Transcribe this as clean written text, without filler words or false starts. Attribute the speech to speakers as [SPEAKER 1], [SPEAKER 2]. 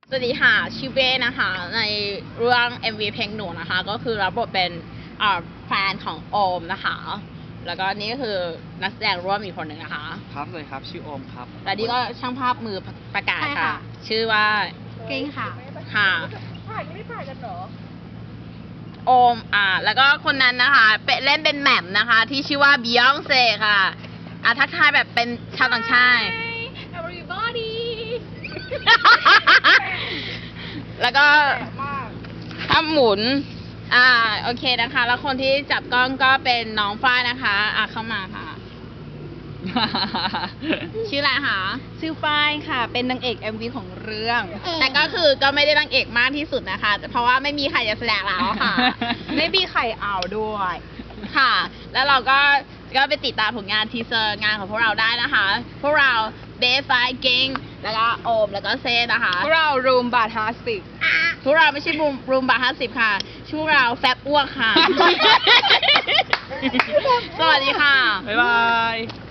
[SPEAKER 1] สวัสดีค่ะชิเบ้นะคะในเรื่อง MV เพลงหนูนะคะก็คือรับบทเป็นแฟนของโอมนะคะแล้วก็นี่ก็คือนักแสดงร่วมอีกคนหนึ่งนะคะ
[SPEAKER 2] ครับเลยครับชื่อโอมครับ
[SPEAKER 1] และนี่ก็ช่างภาพมือประกาศค่ะชื่อว่า
[SPEAKER 3] เก่งค่ะ
[SPEAKER 1] ค่ะ
[SPEAKER 3] ถ่ายไม่ถ่ายกันเหรอ
[SPEAKER 1] โอมแล้วก็คนนั้นนะคะเล่นเป็นแหม่มนะคะที่ชื่อว่าบิยองเซ่ค่ะทักทายแบบเป็นชาวต่างชาติ
[SPEAKER 3] everybody
[SPEAKER 1] แล้วก็ถ้าหมุนโอเคนะคะแล้วคนที่จับกล้องก็เป็นน้องฝ้ายนะคะเข้ามาค่ะ ชื่ออะไรคะ
[SPEAKER 3] ชื่อฝ้ายค่ะเป็นนางเอก MV ของเรื่อง
[SPEAKER 1] แต่ก็คือก็ไม่ได้นางเอกมากที่สุดนะคะเพราะว่าไม่มีใครจะแสดงแล้วค่ะ
[SPEAKER 3] ไม่มีใครเอาด้วย
[SPEAKER 1] ค่ะแล้วเราก็ไปติดตามผลงานทีเซอร์งานของพวกเราได้นะคะพวกเราเบฟไฟเก่งแล้วก็โอมแล้วก็เซนะคะ
[SPEAKER 3] พวกเรารูมบาท
[SPEAKER 1] 50พวกเราไม่ใช่รูมบาท50ค่ะชื่อเราแฟบอ้วกค่ะ สวัสดีค่ะ
[SPEAKER 2] บ๊ายบาย